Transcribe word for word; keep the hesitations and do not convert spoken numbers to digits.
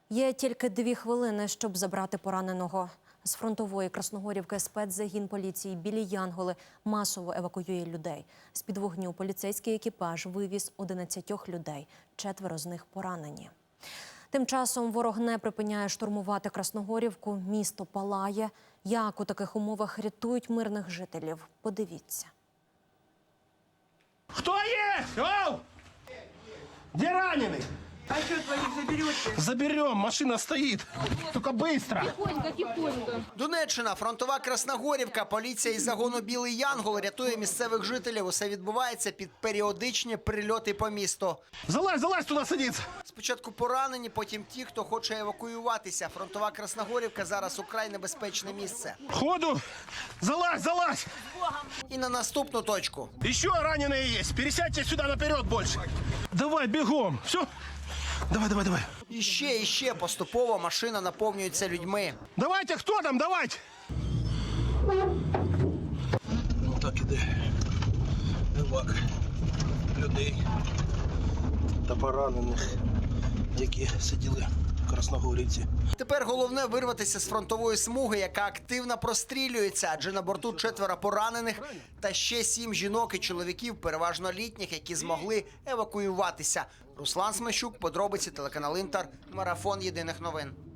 Є тільки дві хвилини, щоб забрати пораненого. З фронтової Красногорівки спецзагін поліції «Білі Янголи» масово евакуює людей. З-під вогню поліцейський екіпаж вивіз одинадцятьох людей, четверо з них поранені. Тим часом ворог не припиняє штурмувати Красногорівку, місто палає. Як у таких умовах рятують мирних жителів? Подивіться. Кто есть? Оу! Где раненый? А что, твоих заберете? Заберем, машина стоит. Только быстро. Тихонько, тихонько. Донеччина, фронтова Красногорівка. Поліція із загону «Білий Янгол» рятує місцевих жителів. Усе відбувається під періодичні прильоти по місту. Залазь, залазь туда садиться. Спочатку поранені, потім ті, хто хоче евакуюватися. Фронтова Красногорівка зараз украй небезпечне місце. Ходу. Залазь, залазь. І на наступну точку. Еще раненые есть. Пересядьте сюда наперед больше. Давай, бегом. Все. Давай, давай, давай. І ще, і ще поступово машина наповнюється людьми. Давайте, кто там, давайте. Ну так іде. Евак людей та поранених, які сиділи в Красногорівці. Тепер головне вирватися з фронтової смуги, яка активно прострілюється, адже на борту четверо поранених та ще сім жінок і чоловіків, переважно літніх, які змогли евакуюватися. Руслан Смещук, подробиці, телеканал «Інтер», марафон єдиних новин.